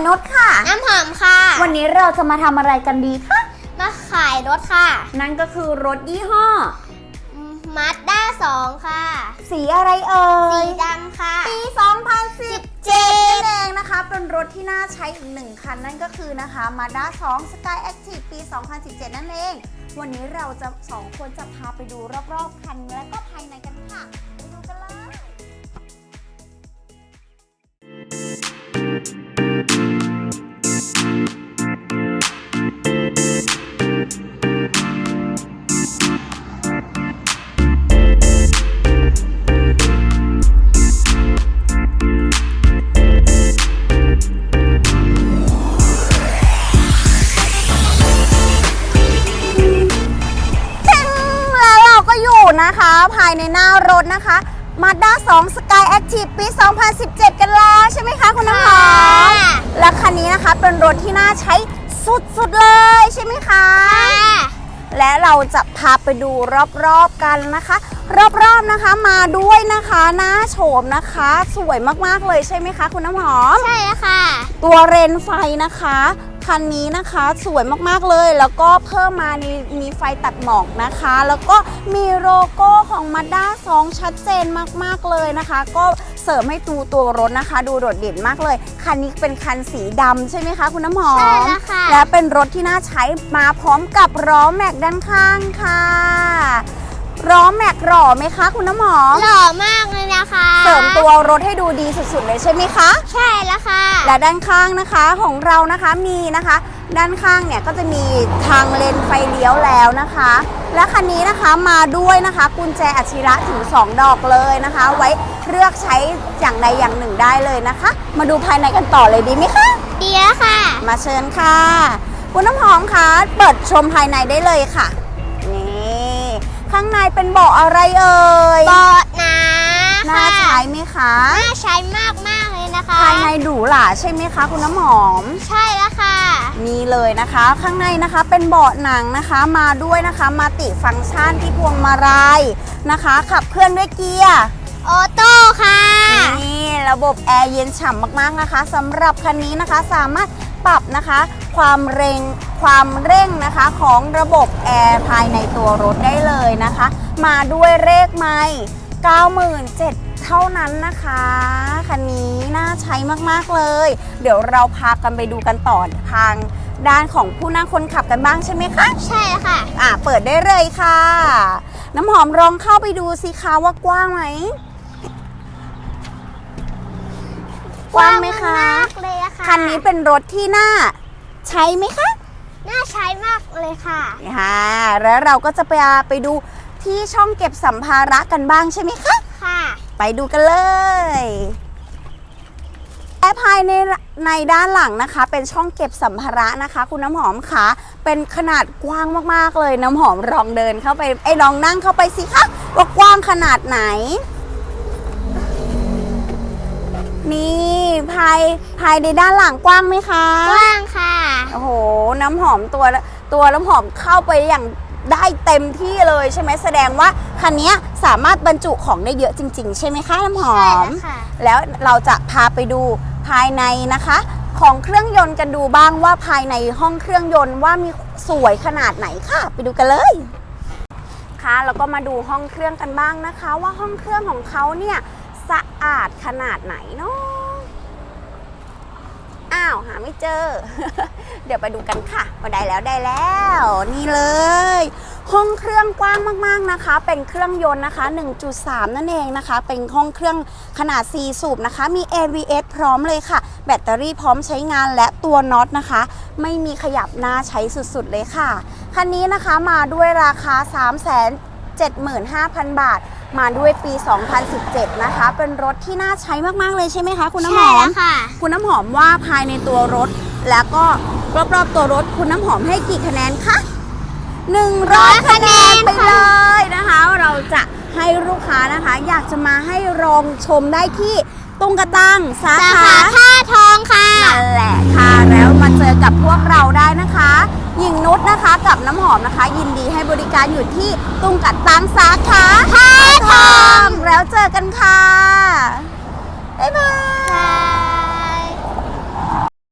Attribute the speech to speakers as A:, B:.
A: นุชค่ะ
B: น้ำหอมค่ะ
A: วันนี้เราจะมาทำอะไรกันดีคะ
B: มาขายรถค่ะ
A: นั่นก็คือรถยี่ห้อ
B: มาสด้า2ค่ะ
A: สีอะไรเอ่ย
B: สีดำค่ะ
A: ปี 2017เองนะคะเป็นรถที่น่าใช้อีก1คันนั่นก็คือนะคะ Mazda 2 Sky Active ปี 2017 นั่นเองวันนี้เราจะ2คนจะพาไปดูรอบๆคันและก็ภายในกันค่ะไปดูกันเลยนะคะภายในหน้ารถนะคะ Mazda 2 Sky Active ปี 2017 กันแล้วใช่ไหมคะคุณน้ำหอมและคันนี้นะคะเป็นรถที่น่าใช้สุดๆเลยใช่ไหมคะและเราจะพาไปดูรอบๆกันนะคะรอบๆนะคะมาด้วยนะคะหน้าโฉมนะคะสวยมากๆเลยใช่ไหมคะคุณน้ำหอม
B: ใช่แล้วค่ะ
A: ตัวเรนไฟนะคะคันนี้นะคะสวยมากๆเลยแล้วก็เพิ่มมามีไฟตัดหมอกนะคะแล้วก็มีโลโก้ของ Mazda 2 ชัดเจนมากๆเลยนะคะก็เสริมให้ตัวรถนะคะดูโดดเด่นมากเลยคันนี้เป็นคันสีดำใช่ไหมคะคุณน้ำหอม
B: ใช่แล้วค่ะ
A: และเป็นรถที่น่าใช้มาพร้อมกับล้อแม็กด้านข้างค่ะล้อแม็กหล่อไหมคะคุณน้ำหอม
B: หล่อมากเลยนะคะ
A: เสริมตัวรถให้ดูดีสุดๆเลยใช่ไหมคะ
B: ใช่แล้วค่ะ
A: และด้านข้างนะคะของเรานะคะมีนะคะด้านข้างเนี่ยก็จะมีทางเลนไฟเลี้ยวแล้วนะคะและคันนี้นะคะมาด้วยนะคะกุญแจอัจฉริยะถึง2ดอกเลยนะคะไว้เลือกใช้อย่างใดอย่างหนึ่งได้เลยนะคะมาดูภายในกันต่อเลยดีไหมคะ
B: ดีแล้วค่ะ
A: มาเชิญค่ะคุณน้ำหอมคะเปิดชมภายในได้เลยค่ะนี่ข้างในเป็นเบาะอะไรเอ่ย
B: เบาะหนา
A: น่าใช้ไหมคะ
B: น่าใช้มากเลยนะคะ
A: ภายในหรูหราใช่ไหมคะคุณน้ำหอม
B: ใช่แล้วค่ะ
A: นี่เลยนะคะข้างในนะคะเป็นเบาะหนังนะคะมาด้วยนะคะมัลติฟังก์ชันที่พวงมาลัยนะคะขับเคลื่อนด้วยเกียร์
B: ออโต้ค่ะ
A: นี่ระบบแอร์เย็นฉ่ำมากๆนะคะสำหรับคันนี้นะคะสามารถปรับนะคะความเร่งนะคะของระบบแอร์ภายในตัวรถได้เลยนะคะมาด้วยเลขไมล์ 97,000 เท่านั้นนะคะคันนี้น่าใช้มากๆเลยเดี๋ยวเราพากันไปดูกันต่อทางด้านของผู้นั่งคนขับกันบ้างใช่ไหมคะ
B: ใช่ค่ะ
A: เปิดได้เลยค่ะน้ำหอมลองเข้าไปดูสิคะว่ากว้างไหมกว้างไหมคะ
B: เลยค่ะ
A: คันนี้เป็นรถที่น่าใช้ไหมคะ
B: น่าใช้มากเลยค่ะ
A: แล้วเราก็จะไปดูที่ช่องเก็บสัมภาระกันบ้างใช่ไหมคะ
B: ค่ะ
A: ไปดูกันเลยและภายในด้านหลังนะคะเป็นช่องเก็บสัมภาระนะคะคุณน้ำหอมค่ะเป็นขนาดกว้างมากๆเลยน้ำหอมลองเดินเข้าไปลองนั่งเข้าไปสิคะว่ากว้างขนาดไหนนี่ภายในด้านหลังกว้างไหมคะ
B: กว้างค่ะ
A: โอ้โหน้ำหอมตัวน้ำหอมเข้าไปอย่างได้เต็มที่เลยใช่ไหมแสดงว่าคันนี้สามารถบรรจุของได้เยอะจริงๆใช่ไหมคะน้ำหอม
B: ใช่ค่ะ
A: แล้วเราจะพาไปดูภายในนะคะของเครื่องยนต์กันดูบ้างว่าภายในห้องเครื่องยนต์ว่ามีสวยขนาดไหนค่ะไปดูกันเลยค่ะแล้วก็มาดูห้องเครื่องกันบ้างนะคะว่าห้องเครื่องของเขาเนี่ยสะอาดขนาดไหนเนาะหาไม่เจอ เดี๋ยวไปดูกันค่ะว่าได้แล้วนี่เลยห้องเครื่องกว้างมากๆนะคะเป็นเครื่องยนต์นะคะ 1.3 นั่นเองนะคะเป็นห้องเครื่องขนาด4สูบนะคะมี ABS พร้อมเลยค่ะแบตเตอรี่พร้อมใช้งานและตัวน็อตนะคะไม่มีขยับน่าใช้สุดๆเลยค่ะคันนี้นะคะมาด้วยราคา 375,000 บาทมาด้วยปี 2017 นะคะเป็นรถที่น่าใช้มากๆเลยใช่ไหมคะคุณน้ำหอม
B: ค่ะ
A: คุณน้ำหอมว่าภายในตัวรถแล้วก็รอบๆตัวรถคุณน้ำหอมให้กี่คะแนนคะ100 คะแนนไปเลยนะคะเราจะให้ลูกค้านะคะอยากจะมาให้ลองชมได้ที่ตุ้งกระตังสาขา
B: ท่าทองค่ะ
A: นั่นแหละค่ะแล้วมาเจอกับพวกเราได้นะคะหญิงนุชนะคะกับน้ำหอมนะคะยินดีให้บริการอยู่ที่ตุ้งกระตังสาขา
B: ท่าทอง
A: แล้วเจอกันค่ะบ๊ายบาย